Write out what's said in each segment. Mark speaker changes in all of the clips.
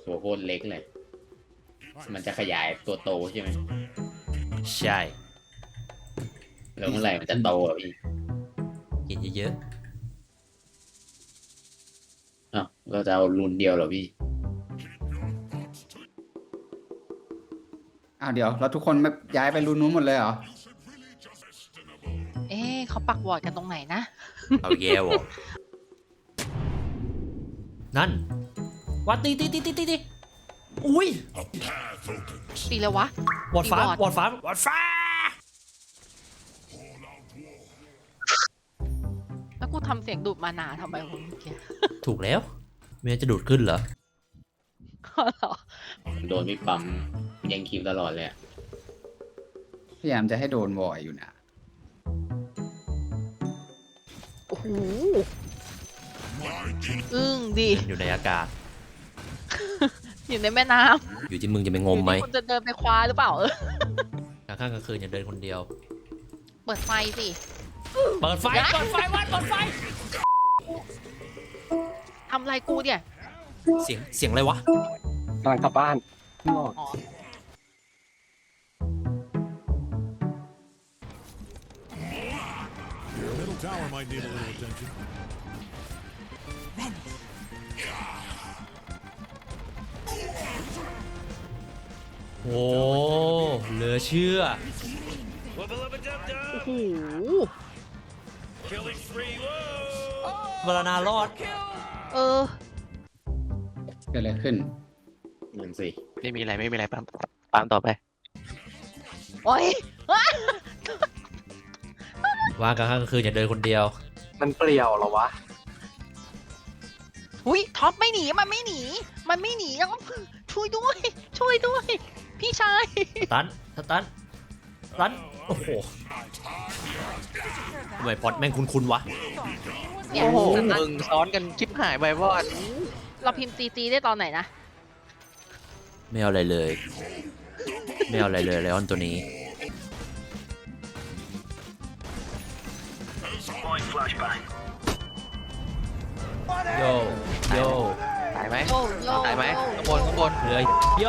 Speaker 1: ตัวโคตรเล็กเลยมันจะขยายตัวโตใช่ไหม
Speaker 2: ใช่
Speaker 1: แล้วเมื่อไหร่มันจะโตอ่ะพี่
Speaker 2: กินเยอะ
Speaker 1: อ้าวเราจะเอารุ่นเดียวเหรอพี่
Speaker 3: อ้าวเดี๋ยวแล้วทุกคนไม่ย้ายไปรูนู้นหมดเลยเหรอ
Speaker 4: เอ๊ะเขาปักวอร์ดกันตรงไหนนะ
Speaker 2: ๆเอาแย่วะนั่นวัดตีอุ้ย
Speaker 4: ตีเลยวะ
Speaker 2: วอดฟ้า
Speaker 4: ตีบอร์ด
Speaker 2: วอดฟ้าวอดฟ้า
Speaker 4: แล้วกูทำเสียงดูดมานาทำไมวะเมื่อกี้
Speaker 2: ถูกแล้วเมียจะดูดขึ้นเหรอ
Speaker 4: เหรอ
Speaker 1: โดนพี่ปั๊มยังคิวตลอดเลยอะ
Speaker 3: พยายามจะให้โดนวอยอยู่นะ
Speaker 4: โอ้โหอึ้งดิ
Speaker 2: อยู่ในอากาศ
Speaker 4: อยู่ในแม่น้
Speaker 2: อยู่ที่มึงจะไป
Speaker 4: ำ
Speaker 2: งมไหม
Speaker 4: อยู่ที่คุณจะเดินไปคว้าหรือเปล่า
Speaker 2: กลางค่ำกลางคืนอย่าเดินคนเดียว
Speaker 4: เปิดไฟสิ
Speaker 2: เปิดไฟวัดเปิดไฟ
Speaker 4: ทำอะไรกูเนี่ย
Speaker 2: เสียงอะไรวะ
Speaker 5: กำลังกลับบ้านนอก
Speaker 4: อ๋อ
Speaker 6: Your middle tower might need a little attention.
Speaker 2: โอ้เหลือเชื่อ
Speaker 4: โอ้โห
Speaker 2: เวลานารอด
Speaker 4: เออ
Speaker 3: เกิดอะไรขึ้น
Speaker 1: นั่นสิ
Speaker 5: ไม่มีอะไรปั๊มต่อไป
Speaker 4: โอ้ย
Speaker 2: ว่างกลางค่ำกลางคืนอย่าเดินคนเดียว
Speaker 5: มันเปลี่ยวเหรอวะ
Speaker 4: หุยท็อปไม่หนี มันไม่หนี มันไม่หนีแล้วก็ช่วยด้วย ช่วยด้วย พี่ชาย
Speaker 2: สตันโอ้โหทำไมพอดแม่งคุ้นๆวะ
Speaker 4: เนี่ย
Speaker 5: โอ้โห
Speaker 4: สตัน
Speaker 5: มึงซ้อนกันชิบหายไปวอด
Speaker 4: เราพิมพ์จีได้ตอนไหนนะ
Speaker 2: ไม่เอาอะไรเลย ไม่เอาอะไรเลยไลออนตัวนี้ โยโย
Speaker 5: ตายไหม
Speaker 4: โยโย
Speaker 5: ตายไหมข้างบน
Speaker 2: เหลือโย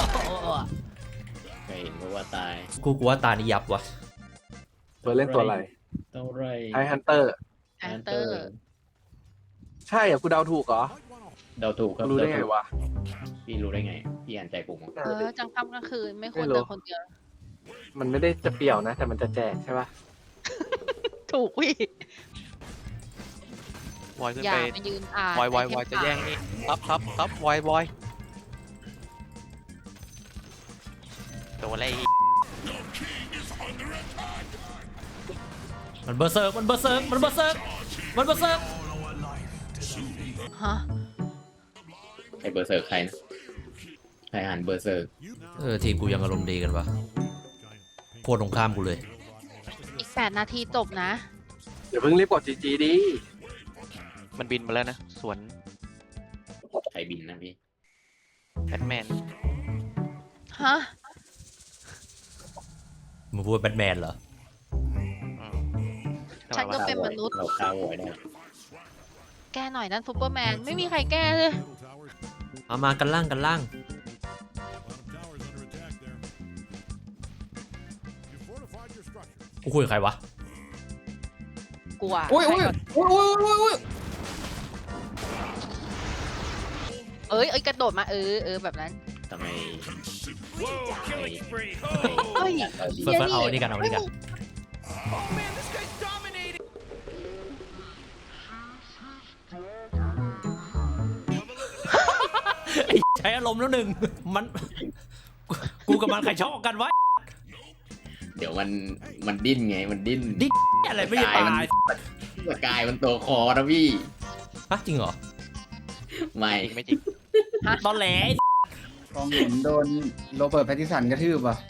Speaker 1: เคยเห็นเพราะว่าตาย
Speaker 2: กูว่าตานี่ยับวะ
Speaker 5: เฟิร์นเล่นตัวอะไร
Speaker 1: เท่าไร
Speaker 5: ไอฮันเตอร์
Speaker 4: แอนเตอร์
Speaker 5: ใช่เหรอกูเดาถูกเหรอ
Speaker 1: เดาถูกครับ
Speaker 5: รู้ได้ไงวะ
Speaker 1: พี่รู้ได้ไง พี่อ่านใจผมอะ
Speaker 4: จังค่ำกลางคืนไม่ควร
Speaker 5: ไม่รู้
Speaker 4: เดินคนเดียว
Speaker 5: มันไม่ได้จะเปรี่ยวนะ แต่มันจะแจกใช่ปะ
Speaker 4: ถูกวิ
Speaker 5: วอยขึ้น
Speaker 4: อย่า
Speaker 5: ไป
Speaker 4: มายืนอ่าน
Speaker 5: วอย
Speaker 4: ไอเทม
Speaker 5: จะแย่งนี่ครับวอยตัวอะไร
Speaker 2: มันเบอร์เซิร์ก
Speaker 4: ฮะ
Speaker 1: ใครเบอร์เซิร์กใครนะใครอ่านเบอร์เซิร์ก
Speaker 2: ทีมกูยังอารมณ์ดีกันวะโคตรตรงข้ามกูเลย
Speaker 4: อีก8 นาทีจบนะ
Speaker 5: เดี๋ยวเพิ่งรีบกดจีดิมันบินมาแล้วนะ สวน
Speaker 1: ใครบินนะพี่
Speaker 5: แบทแมน
Speaker 4: ฮะ
Speaker 2: มึงพูดว่าแบทแมนเหรอ
Speaker 4: ฉันก็เป็นมนุษย์
Speaker 1: เราฆ่าโวยได้
Speaker 4: แก้หน่อยนั่นซูเปอร์แมน ไม่มีใครแก้เลย
Speaker 6: Middle tower's
Speaker 2: เอามากันล่าง
Speaker 6: bottom tower's under attack there. You fortified your structures.
Speaker 2: กูคุยกับใครวะ
Speaker 4: กลัว
Speaker 3: โอ้ย
Speaker 4: ใคร
Speaker 3: โอ้ย
Speaker 4: ก่อน
Speaker 3: โอ้ยโอ้ยโอ้ย
Speaker 4: เอ้ยกระโดดมาแบบนั้น
Speaker 1: ทำไม
Speaker 4: เฮ้ย
Speaker 1: เฮ้ย
Speaker 2: เฟิร์สเอาอันนี้กัน ใช้อารมณ์แล้วหนึ่ง มัน กูกับมันใครชอบกันวะ
Speaker 1: เดี๋ยวมันดิ้นไงมันดิ้น
Speaker 2: ดิ้น อะไรไม่ได้ตาย
Speaker 1: สกายมันตัวคอนะพี่
Speaker 2: ฮะจริงเหรอ
Speaker 1: ไม่
Speaker 5: ไม่จริง
Speaker 2: ตอนแหล
Speaker 3: กองเห็นโดนโรเบิร์ตแพตติสันกระทืบอ่ะ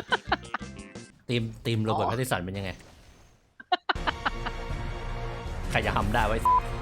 Speaker 2: ทีมโรเบิร์ตแพตติสันเป็นยังไง ใครจะทำได้ไว้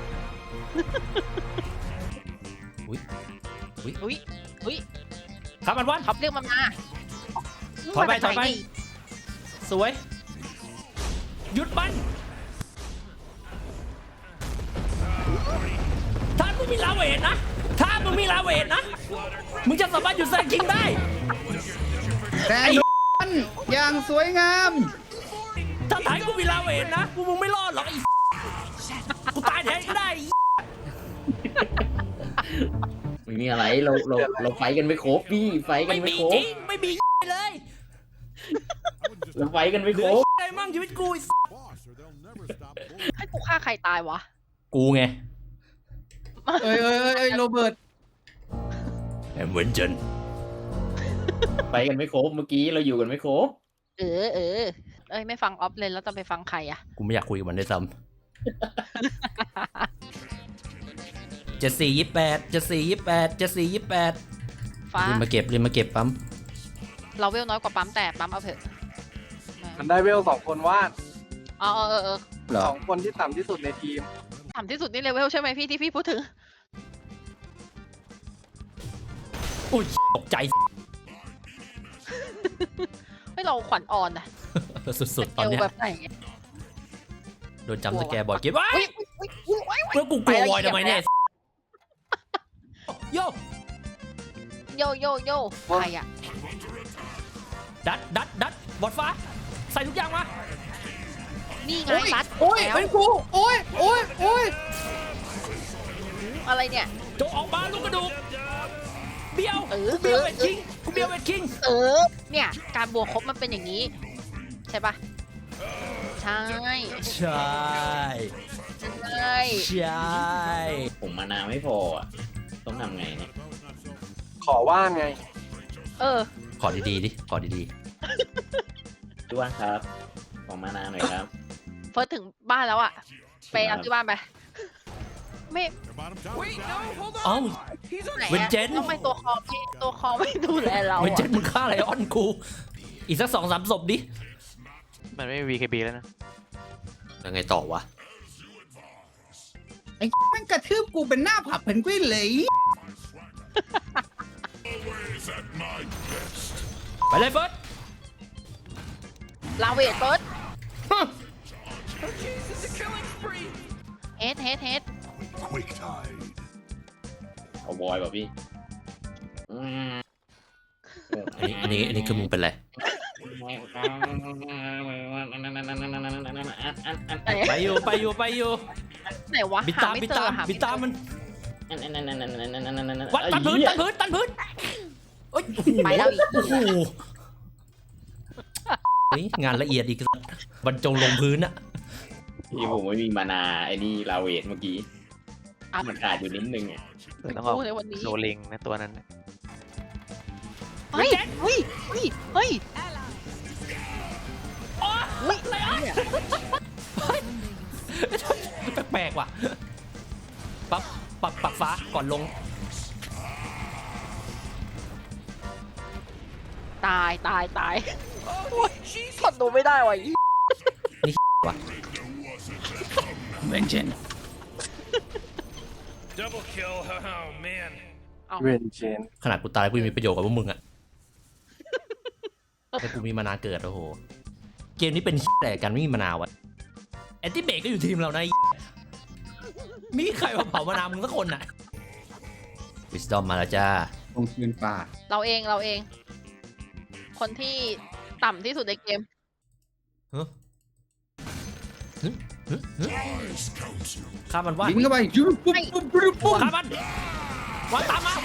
Speaker 4: อุ้ย
Speaker 2: ครับมันวัน
Speaker 4: ท็อปเรียกมันมา
Speaker 2: ถอยไป
Speaker 4: มาจากหน
Speaker 2: สวย หยุดมันท่านผู้มีลาเวทนะท่านมึงมีลาเวทนะ มึงจะสามารถหยุดแซงคิงได้
Speaker 3: แต่โดนอย่างสวยงาม
Speaker 2: ถ้าถ่ายกูมีลาเวทนะมึงไม่รอดหรอกไอ้กูตายแทนก็ได้
Speaker 1: ไม่มีอะไรเราไฟกันไม่ครบพี่ไฟกัน
Speaker 2: ไม่
Speaker 1: ไม่
Speaker 2: มี
Speaker 1: คร
Speaker 2: จ
Speaker 1: บ
Speaker 2: ริงไม่มีเลย
Speaker 1: เราไฟกันไม่
Speaker 2: เหลื
Speaker 1: คร
Speaker 2: อบ อะไรมั่งชีวิตกู
Speaker 6: Boss, or they'll never stop bullying.
Speaker 4: ให้กูฆ่าใครตายวะ
Speaker 2: กูไง
Speaker 3: เอ้ยโรเบิร์ต
Speaker 2: แอมเวนเจน
Speaker 1: ไฟกันไม่ครบเมื่อกี้เราอยู่กันไม่ครบ
Speaker 4: เอ้ยไม่ฟังออฟเลยแล้วจะไปฟังใครอะ
Speaker 2: กูไม่อยากคุยกับมันได้วยซ้ำ74 28
Speaker 4: ฟ้า
Speaker 2: รีบมาเก็บปั๊ม
Speaker 4: เราเวลน้อยกว่าปั๊มแต่ปั๊มเอาเถอะ
Speaker 5: มันได้เวล2 คนวาด
Speaker 4: เออ
Speaker 3: เหรอ
Speaker 5: 2 คนที่ต่ำที่สุดในทีม
Speaker 4: ต่ำที่สุดนี่เลเวลใช่ไหมพี่ที่พี่พูดถึง
Speaker 2: อุ้ยตกใจ
Speaker 4: ให้เราขวัญอ่อนนะ
Speaker 2: สุดๆตอนเนี้ย
Speaker 4: เอวแบบไหน
Speaker 2: โดนจำสแกร์บ่อยเก็บไว้
Speaker 4: อุ๊ย
Speaker 2: แล้วกูกลัววอยทำไมเนี่ยโย
Speaker 4: โยใครอะ
Speaker 2: ดัดบอดฟ้า ใส่ทุกอย่างมา
Speaker 4: นี่ไงรัด
Speaker 3: โอ้ย
Speaker 4: แล้ว
Speaker 3: เป็นกูโอ้ย
Speaker 4: อะไรเนี่ย
Speaker 2: จงออกมาลูกกระดูกเบี้ยว
Speaker 4: เออ
Speaker 2: กูเบี้ยวเวทคิง
Speaker 4: เนี่ยการบวกครบมันเป็นอย่างนี้ ใช่ปะใช่
Speaker 2: ใช่
Speaker 4: ใช่
Speaker 2: ใช่
Speaker 1: ผมมานาไม่พออ่ะต้องทำไงเนี่ย
Speaker 5: ขอว่างไง
Speaker 2: ขอดีๆดิขอดี
Speaker 1: พี่ว่านครับของมานาหน่อยครับ
Speaker 4: เฟิร์สถึงบ้านแล้วอะไปเอาที่บ้านไป ไม่
Speaker 6: Your bottom tower is down.
Speaker 2: ๆเอ้า
Speaker 4: ไหน
Speaker 2: เวน
Speaker 4: อะ
Speaker 2: เจน
Speaker 4: ต้องไปตัวคอไม่ดูแลเรา
Speaker 2: เวน
Speaker 4: อะ
Speaker 2: เจนมึงฆ่าอะไรออนกู อีกสัก 2-3 ศพดิ
Speaker 5: มันไม่มี VKB แล้วนะ
Speaker 2: ยังไงต่อวะ
Speaker 3: ไอ้มันกระทืบกูเป็นหน้าผับเพนกวินเลย
Speaker 2: ไปเลยเฟิร์ส
Speaker 4: ลาเวทเฟิร์สเฮด
Speaker 6: Quick tide.
Speaker 1: เอาบอยป่ะพี่
Speaker 2: อันนี้คือมึงเป็นไร ไปอยู่
Speaker 4: ไหนวะ
Speaker 2: บิด
Speaker 4: หา
Speaker 2: ตาม
Speaker 4: ไม่
Speaker 2: บิด
Speaker 4: เจ
Speaker 2: ตา
Speaker 4: อ
Speaker 2: ม
Speaker 4: หา
Speaker 2: บิ
Speaker 4: ไม่
Speaker 2: ด
Speaker 4: เจ
Speaker 2: ตาม
Speaker 4: อ
Speaker 2: มันวัดตันพื้นเอ้ย
Speaker 4: ไปแล้วอีก
Speaker 2: โอ้โหเฮ้ยงานละเอียดอีกบรรจงลงพื้นอะ
Speaker 1: พี่ผมไม่มีมานาไอ้นี่ลาเวทเมื่อกี้มันขาดอยู่นิดนึงอ่ะ
Speaker 5: ต้องเอา
Speaker 4: กูในวันนี้
Speaker 5: โรลิงนะตัวนั้นน่ะ
Speaker 4: เฮ้ย
Speaker 2: แปลกๆว่ะปั๊บปักฟ้าก่อนลง
Speaker 4: ตายโอ้ยทนดูไม่ได้ว่ะ
Speaker 2: ว่ะเวนเจน
Speaker 7: Double kill, oh man.
Speaker 5: เวนเจน
Speaker 2: ขนาดกูตายกูยังมีประโยชน์กับพวกมึงอะแต่กูมีมานาเกิดโอ้โหเกมนี้เป็นแต่กันไม่มีมานาวะแอนติเบกก็อยู่ทีมเรานะมีใครมาเผามานามึงสักคนน่ะวิสดอมมาแล้วจ้า
Speaker 3: ลงคืนป่า
Speaker 4: เราเอง คนที่ต่ำที่สุดในเกม
Speaker 2: ข้ามันว่า
Speaker 3: บินเข้าไปยุบปุ๊บปุ๊บ
Speaker 2: ข้ามันว่าตามมา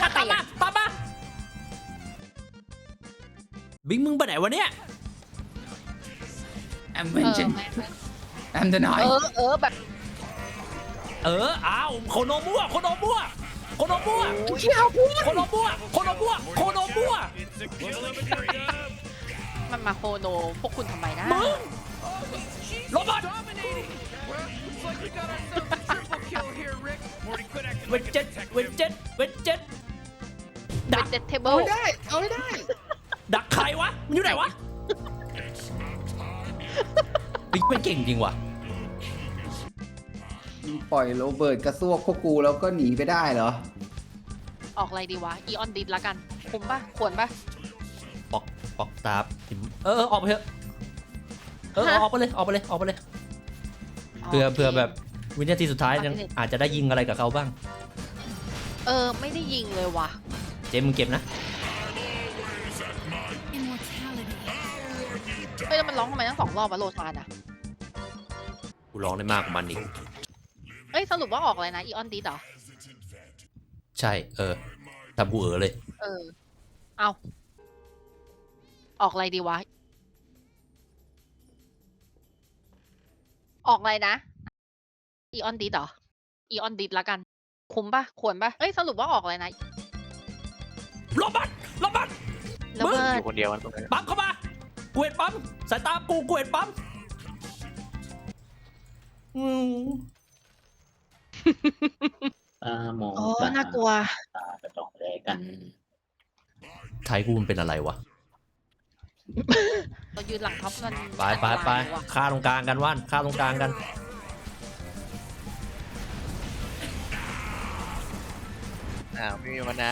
Speaker 2: บิงมึงไปไหนวะเนี่ย
Speaker 3: แอมเวนเจนแอมเดนไน
Speaker 4: แบบ
Speaker 2: อ้าวโคโนมัว
Speaker 7: It's a kill of a dub.
Speaker 4: มันมาโคโนพวกคุณทำไมนะ
Speaker 2: มึงโรบอท
Speaker 7: Looks like we got ourselves a triple kill here, Rick. Morty, quit acting
Speaker 2: เวน
Speaker 7: like a
Speaker 2: เจ็ด
Speaker 7: detective.
Speaker 2: เวนเจ็ด
Speaker 4: เป็นเจ็ตเทเบิ
Speaker 3: เอา
Speaker 4: ล
Speaker 3: ไม่ได้เอาไม่ได้
Speaker 2: ดักใครวะ มันอยู่ไหนวะบิ๊กเป็นเก่งจริงว่ะ
Speaker 3: ปล่อยโรเบิร์ตกระซวกพวกกูแล้วก็หนีไปได้เหรอ
Speaker 4: ออกอะไรดีวะอีออนดิสละกันคุ้มป่ะควรป่ะ
Speaker 2: ปอกตาออกไปเถอะออกไปเลยเผื่อแบบวินาทีสุดท้ายยังอาจจะได้ยิงอะไรกับเขาบ้าง
Speaker 4: ไม่ได้ยิงเลยว่ะ
Speaker 2: เจมมึงเก็บนะ
Speaker 4: เฮ้ยแล้วมันร้องทำไมทั้ง2 รอบวะโลชานอะ
Speaker 2: กูร้องได้มากกว่ามันอีก
Speaker 4: เอ้ยสรุปว่าออกอะไรนะอีออนดีเหรอ
Speaker 2: ใช่ทำกูเลย
Speaker 4: เอาออกอะไรดีวะ ออกอะไรนะอีออนดีเหรออีออนดีละกัน คุ้มปะควรปะเอ้ยสรุปว่าออกอะไรนะ
Speaker 2: ลบมันลบมัน
Speaker 4: แล้วเบิ
Speaker 5: อ
Speaker 4: ร์ด
Speaker 5: ยู่คนเดียวมันตรงนี้
Speaker 2: ปั๊มเข้ามากูเห็นปั๊มสายตากูเห็นปั๊มอืม
Speaker 1: ตามอง
Speaker 4: โอ้
Speaker 1: ตา
Speaker 4: น่ากลัว
Speaker 1: ตากระจอกแลกัน
Speaker 2: ไทยกูมันเป็นอะไรวะ
Speaker 4: เรายืนหลังท็อปกัน
Speaker 2: ไป
Speaker 4: อันตรายว่ะ
Speaker 2: ฆ่าตรงกลางกันว่านฆ่าตรงกลางกัน
Speaker 5: ไม่มีมานา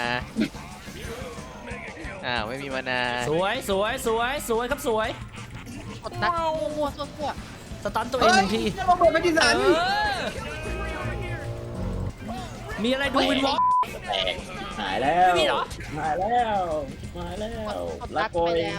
Speaker 5: ไม่มีมานา
Speaker 2: สวยครับสวย
Speaker 4: กดดันมั่วๆซั่ว
Speaker 2: สตันตัวเอง
Speaker 3: เฮ้
Speaker 2: ห
Speaker 3: ย
Speaker 2: นึ่งที
Speaker 3: จะมาเปิดไปดิสัน
Speaker 2: มีอะไรดูวินวอล์ก
Speaker 1: แตกหายแล้ว
Speaker 2: ไม่มีเหรอ
Speaker 1: หายแล้วหายแล้ว
Speaker 4: ๆกด
Speaker 1: ลา
Speaker 4: ดัน
Speaker 1: โก
Speaker 4: ไป
Speaker 1: ย
Speaker 4: แล้ว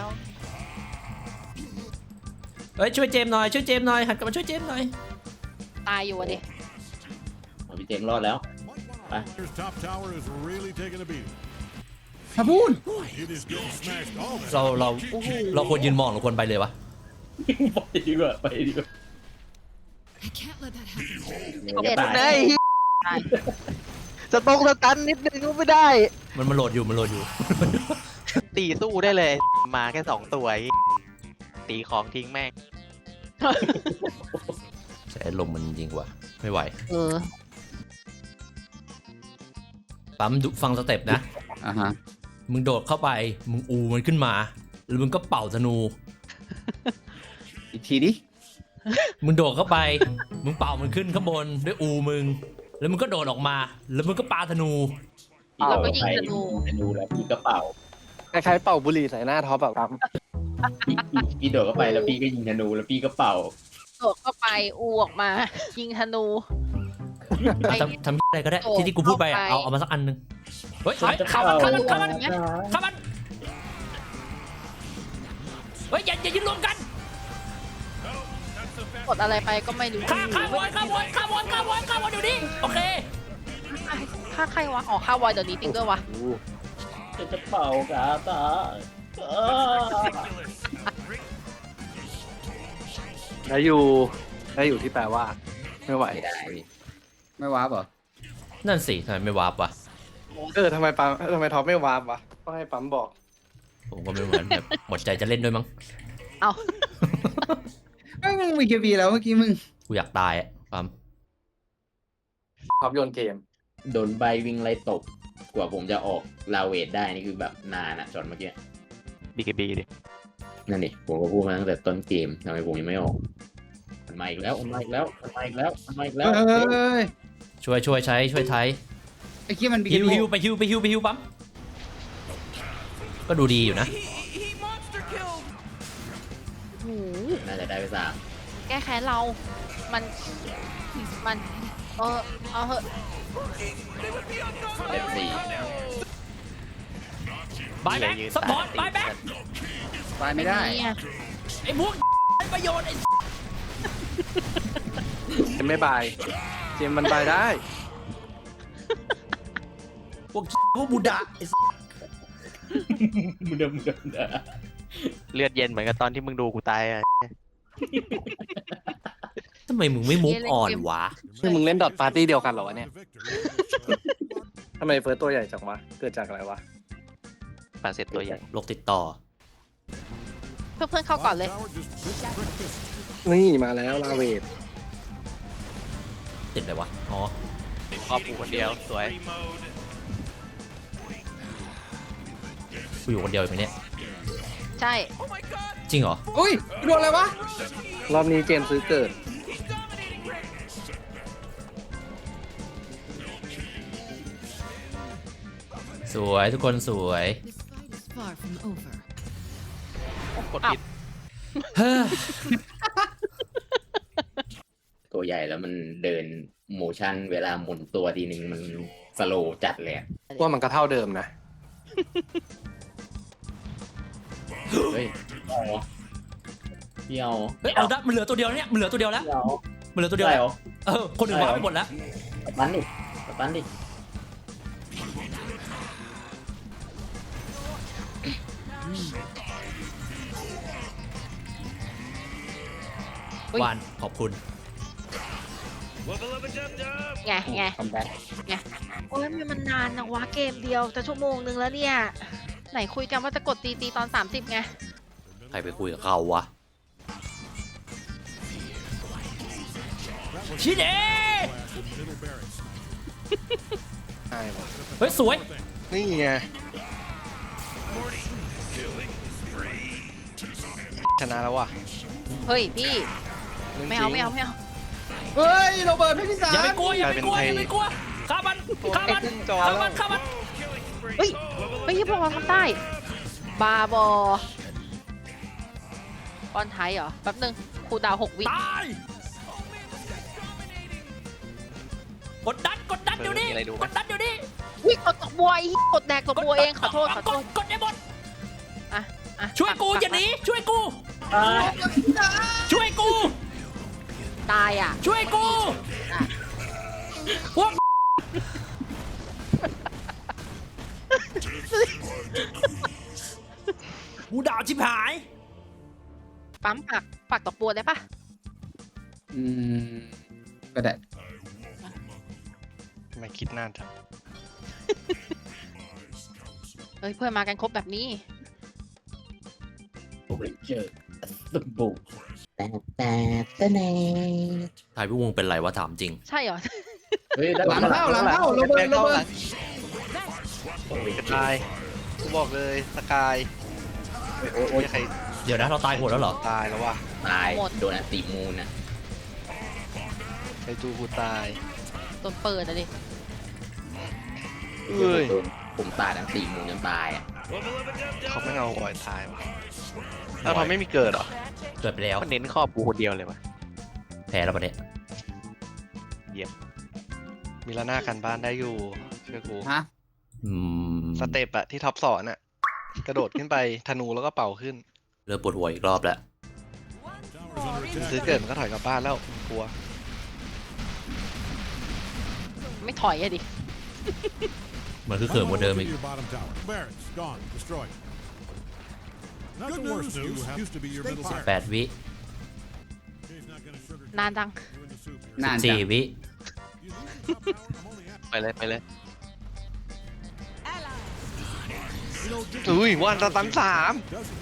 Speaker 2: เฮ้ยช่วยเจมส์หน่อยหันกลับมาช่วยเจมส์หน่อย
Speaker 4: ตายอยู่อะดิ
Speaker 1: พี่เจมส์รอดแล้ว
Speaker 6: Their top tower is really taking a beating.
Speaker 3: ถ้าพูด
Speaker 6: It is getting smashed all
Speaker 2: เราควรยืนมองหรือควรไปเลยวะ
Speaker 1: ไปดีกว่าไปดีกว่า
Speaker 8: I can't let that happen.
Speaker 1: เดี๋ยวจะตาย
Speaker 5: ได้ สตงสตันนิดนึงก็ไม่ได้
Speaker 2: มันโหลดอยู่
Speaker 5: ตีสู้ได้เลย มาแค่2 ตัวตีของทิ้งแม่ง
Speaker 2: ใช้ลมมันยิงกว่าไม่ไหว ปั๊มดูฟังสเต็ปนะ
Speaker 3: อ่าฮะ
Speaker 2: มึงโดดเข้าไปมึงอูมันขึ้นมาแล้วมึงก็เป่าธนู
Speaker 3: อีกทีดิ
Speaker 2: มึงโดดเข้าไปมึงเป่ามันขึ้นข้างบนด้วยอูมึงแล้วมึงก็โดดออกมาแล้วมึงก็ปาธนู
Speaker 4: เราก็ยิงธนู
Speaker 1: ธนูแล้วพี่ก็เป่า
Speaker 5: คล้ายๆเป่าบุหรี่ใส่หน้าท็อปแบบครับ
Speaker 1: พี่โดดเข้าไปแล้วพี่ก็ยิงธนูแล้วพี่ก็เป่า
Speaker 4: โดดเข้าไปอูออกมา ยิงธนู
Speaker 2: ทำอะไรก็ได้ที่กูพูดไปอะเอามาสักอันหนึงเฮ้ยเข้ามันเฮ้ยอย่ายืนรวมกัน
Speaker 4: กดอะไรไปก็ไม่รู้
Speaker 2: ข้าวอนอยู่นี่โอเค
Speaker 4: ฆ่าใครวะอ๋อฆ่าวอยเดี๋ยวนี้จริงด้วยวะ
Speaker 1: จะเป่ากาตา
Speaker 5: ได้อยู่ที่แปลว่า ไม่ไหว
Speaker 1: ไม่ได้
Speaker 3: ไม่ว้าบเหรอ
Speaker 2: นั่นสิทำไมไม่วาร์ปวะ
Speaker 5: ทำไมท็อปไม่วาร์ปวะต้องให้ปั๊มบอก
Speaker 2: ผมก็ไม่เหมือนแบบหมดใจจะเล่นด้วยมั้ง
Speaker 4: เอา
Speaker 3: เอ้ยมึงมีเคบีแล้วเมื่อกี้มึง
Speaker 2: กูอยากตายอะปั๊ม
Speaker 5: ท็อปโยนเกม
Speaker 1: โดนใบวิ่งไล่ตบกว่าผมจะออกลาเวทได้นี่คือแบบนานอะจนเมื่อกี้
Speaker 5: BKB ดิ
Speaker 1: นั่นดิผมก็พูดมาตั้งแต่ต้นเกมทำไมผมยังไม่ออกมันมาอีกแล้ว
Speaker 3: เฮ้ย
Speaker 2: ช่วยไทย
Speaker 3: ไอ้ขี้มันบี
Speaker 2: ฮิวไปฮิวปั๊มก็ดูดีอยู่นะ
Speaker 7: He monster killed.
Speaker 4: โอ้โห
Speaker 1: น่าจะได้ไป3
Speaker 4: แก้แค้นเรา มันเอาเหอะ
Speaker 1: เด็ด4
Speaker 2: บายแบ็กสปอร์ตบายแบ็ก
Speaker 3: ไปไม่ได้
Speaker 4: เนี่ย
Speaker 2: ไอ้พวกไอ้ประโยชน์ไอ้
Speaker 5: เจมไม่บาย เจมมันบายได้
Speaker 2: พวกบูดาไอ้
Speaker 1: มึงเดิม
Speaker 5: เลือดเย็นเหมือนกับตอนที่มึงดูกูตายอะ
Speaker 2: ทำไมมึงไม่มุกอ่อนวะ
Speaker 5: คือมึงเล่นดอทปาร์ตี้เดียวกันเหรอวะ
Speaker 6: the
Speaker 5: เนี่ย
Speaker 6: victor.
Speaker 5: ทำไมเฟิร์สตัวใหญ่จังวะ เกิดจากอะไรวะปาเสร็จตัวใหญ่
Speaker 2: โรคติดต่อ
Speaker 4: เพื่อนๆเข้าก่อนเลย
Speaker 6: Tower just breakfast.
Speaker 5: นี่มาแล้วลาเวท
Speaker 2: ติดอะไรวะ อ๋อ
Speaker 5: ครอบกูคนเดียว สวย
Speaker 2: กูอยู่คนเดียวอยู่ไหมเนี่ย
Speaker 4: ใช่
Speaker 7: Oh my god.
Speaker 2: จริงเหรอ
Speaker 3: อุ้ยโดนอะไรวะ
Speaker 5: รอบนี้เจมซื้อเกิด
Speaker 7: He's dominating Rick.
Speaker 2: สวยทุกคนสวย
Speaker 8: This fight is far from over.
Speaker 5: กดผิด
Speaker 2: เฮ้ย
Speaker 1: ตัวใหญ่แล้วมันเดินโมชั่นเวลาหมุนตัวทีนึงมันสโลว์จัดเลยอะ
Speaker 5: ว่ามันก็เท่าเดิมนะ
Speaker 1: เฮ้ยเอาเหรอพี่เอา
Speaker 2: เฮ้ยเอาได้มันเหลือตัวเดียวเนี่ยมันเหลือตัวเดียวแล้ว
Speaker 1: พี่เอา
Speaker 2: มันเหลือตัวเดียว
Speaker 1: ได้
Speaker 2: แล้ว
Speaker 1: เหรอ
Speaker 2: คนอื่นวางไปหมดแล้ว
Speaker 1: สตันดิสตันดิ
Speaker 2: วานขอบคุณ
Speaker 4: ไง
Speaker 1: คัมแบ็ค
Speaker 4: โอ้ยมันนานนะวะเกมเดียวจะชั่วโมงนึงแล้วเนี่ย ไหนคุยกันว่าจะกดตีตอน 30ไง
Speaker 2: ใครไปคุยกับเขาวะ ชิเด
Speaker 6: Middle barracks.
Speaker 2: เฮ้ยสวย
Speaker 5: นี่ไงชนะแล้วว่ะ
Speaker 4: เฮ้ยพี่ไม่เอาไม่เอา
Speaker 3: เฮ้ยโรเบิร์ตพี่พิสา
Speaker 2: อย่าไป
Speaker 3: ร
Speaker 2: กลัวอย่าไปกลัวอย่าไปกลัวฆ่ามันฆ่ามัน
Speaker 5: ไอ้ขึ้นจอ
Speaker 2: ฆ่า
Speaker 5: แล้ว
Speaker 2: มันฆ่ามัน
Speaker 4: เฮ้ยไม่ใช่พวกเราทำได้ บาบอป้อนไทยเหรอ แป๊บนึงครูดาว6 วิ
Speaker 2: ตายกดดันเดี๋ยวนี้
Speaker 5: มีอะไรดูไหม
Speaker 2: กดดันเดี๋ยวนี้
Speaker 4: วิกดตกบัวไอ้กดแดกตกบัวเองขอโทษ
Speaker 2: กดได้หมด
Speaker 4: อ่ะ
Speaker 2: ช่วยกูอย่าหนีช่วยกู
Speaker 1: ตาย
Speaker 2: ช่วยกู
Speaker 4: ตายอ่ะ
Speaker 2: ช่วยกูพวกกูด่าชิบหาย
Speaker 4: ปั๊มปักตกบัวได้ปะ
Speaker 3: อืมก็ได้
Speaker 5: ไม่คิดนานจัง
Speaker 4: เอ้ยเพื่อนมากันครบแบบนี้
Speaker 1: โอ้ยเจอสบู่แต่แน่
Speaker 2: ทายพี่วงเป็นไรวะถามจริง
Speaker 4: ใช่เหรอ
Speaker 1: เฮ้ย
Speaker 3: หลังเข้าโรเบิร์ต
Speaker 1: โอ้ย
Speaker 5: สกายกูบอกเลยสกาย
Speaker 1: โอ้ย
Speaker 5: ใคร
Speaker 2: เดี๋ยวนะเราตายโหดแล้วเหรอ
Speaker 5: ตายแล้วว่ะ
Speaker 1: ตาย
Speaker 4: หมด
Speaker 1: โดนอันติมูนอ่ะ
Speaker 5: ใครจูกูตาย
Speaker 4: โดนเปิดอะดิ
Speaker 5: เอ้ย
Speaker 1: โดนผมตายอันติมูนจนตายอ่ะ
Speaker 5: เขาไม่เอาอ่อยตายว่ะแล้วทำไม่มีเกิดเหรอ
Speaker 2: เกิดไปแล้ว
Speaker 5: มันเน้นครอบกูคนเดียวเลยว่ะ
Speaker 2: แพ้แล้วประเด็น
Speaker 5: มีละหน้ากันบ้านได้อยู่เชื่อกู
Speaker 3: ฮะ
Speaker 5: สเต็ปอะที่ท็อปสอนอะกระโดดขึ้นไปธนูแล้วก็เป่าขึ้น
Speaker 2: เริ่มปวดหัวอีกรอบแล้ว
Speaker 6: Tower's under attack.
Speaker 5: ซื้อเกิดมันก็ถอยกลับบ้านแล้วกลัว
Speaker 4: ไม่ถอยอะดิ
Speaker 2: มันคือเขิมกว่าเดิมอีก
Speaker 6: Your bottom tower. Barracks gone. Destroyed. Not the worst news. Used to be your middle barracks.
Speaker 2: 8 วิ
Speaker 6: He's not gonna sugarcoat
Speaker 4: นานจัง
Speaker 6: you in the soup here.
Speaker 3: นานจัง
Speaker 2: 4 วิ
Speaker 6: You leave the top tower? I'm only happy.
Speaker 5: ไปเลยไปเลยอุ้ยวันตัน3
Speaker 6: Doesn't mean he's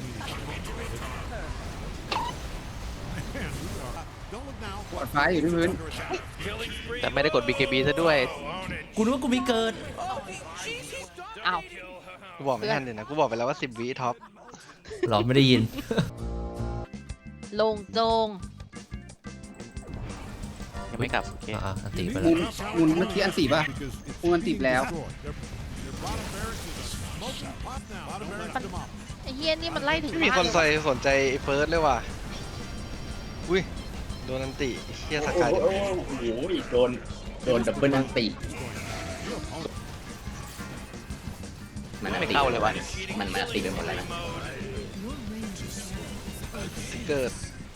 Speaker 6: Man, we are. Don't look now.
Speaker 3: ปวดฟ้าอยู่ที่พื้น
Speaker 6: Under attack.
Speaker 5: แต่ไม่ได้กด BKB ซะด้วย
Speaker 2: กูนึกว่ากูมีเกิด
Speaker 4: อ้าว
Speaker 5: กูบอกไม่ทันเลยนะ กูบอกไปแล้วว่า10 วิท็อป
Speaker 2: เราไม่ได้ยิน
Speaker 4: ลงโจง
Speaker 5: ยังไม่กลับโอเค
Speaker 2: อันตีไป
Speaker 3: มุ
Speaker 2: แล้ว
Speaker 3: นมุนเมื่อกี้อันสี่ป่ะ
Speaker 6: Because it's
Speaker 3: มุนอันติดแล้ว
Speaker 6: destroyed. Their bottom barracks is a smoking pot now. Bottom barracks demolished.
Speaker 4: ไอ้เฮียนี่มันไล่ถึง
Speaker 5: ไม่มี
Speaker 4: บ้า
Speaker 5: คน
Speaker 4: เลย
Speaker 5: ใส่
Speaker 4: ว่ะ
Speaker 5: สนใจไอ้เฟิร์สเลยว่ะ อุ้ย โดนอันติเฮียส
Speaker 1: โอ้
Speaker 5: กาย
Speaker 1: โหโดนดับเบิลอันติมันอันติมันอันติไปหมดแล้วนะ
Speaker 5: เกิด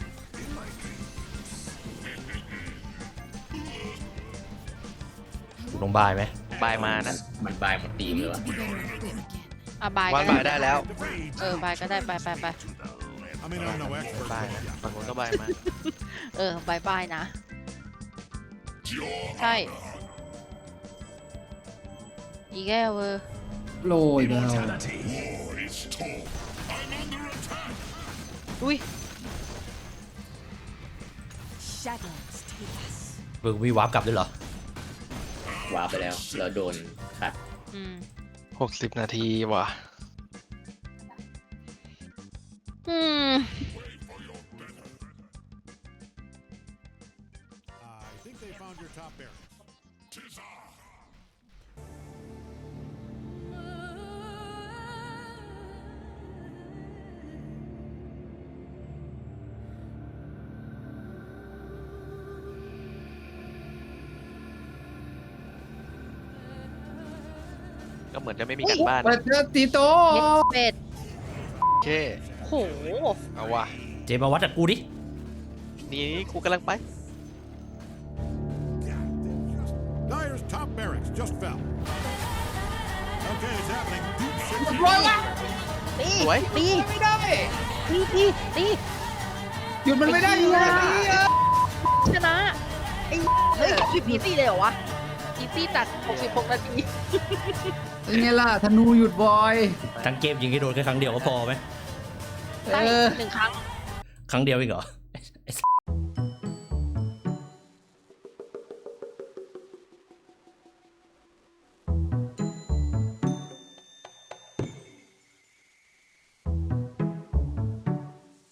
Speaker 2: กูต้องบายไหม
Speaker 5: บายมานะ
Speaker 1: มันบายหมดทีมเลยวะ
Speaker 8: Be better equipped again.
Speaker 4: อ่ะบาย
Speaker 5: วัน
Speaker 4: ก็
Speaker 5: บายได้แล้ว
Speaker 4: บายก็ได้ไป
Speaker 6: I mean, I'm no expert.
Speaker 5: บาย
Speaker 6: but
Speaker 5: นะ
Speaker 6: yeah.
Speaker 5: ฝั่งนู้นก็บายมา
Speaker 4: บายนะ ใช่ อีแก้วเวอร์
Speaker 3: โรยแล้ว
Speaker 4: อุ้ย
Speaker 8: Shadows take us.
Speaker 2: มึงมีวาร์ปกลับด้วยเหรอ
Speaker 1: วาร์ปไปแล้วแล้วโดนขัด
Speaker 4: อืม
Speaker 5: 60 นาทีว่ะ
Speaker 4: อืม
Speaker 6: I think they found your top barracks.
Speaker 5: ก็เหมือนจะไม่มีการบ้าน
Speaker 3: เปิดเจอตีโต
Speaker 4: เย็ดเป็ด
Speaker 5: โอเค
Speaker 4: โห
Speaker 5: เอาว่ะ
Speaker 2: เจมาวัดกับกูดิ
Speaker 5: นี่กูกำลังไป
Speaker 6: Dyer's top barracks just fell. Okay, it's happening. Deep six.
Speaker 3: ร้อยวะ
Speaker 4: ตี
Speaker 5: สวย
Speaker 4: ตี
Speaker 3: ไม่ได้
Speaker 4: ตี
Speaker 3: หยุดมันไม่ได้อยู่แล้วนี่
Speaker 4: ชนะไอ้เฮ้ยอีซี่เลยเหรอวะอีซี่ตัด66 นาที
Speaker 3: เป็นไงล่ะธนูหยุดบอย
Speaker 2: ทั้งเกมยิงให้โดนแค่ครั้งเดียวก็พอไหม
Speaker 4: ได้
Speaker 3: เออ
Speaker 4: 1 ครั้ง
Speaker 2: ครั้งเดียวเองเหรอไอ้สัส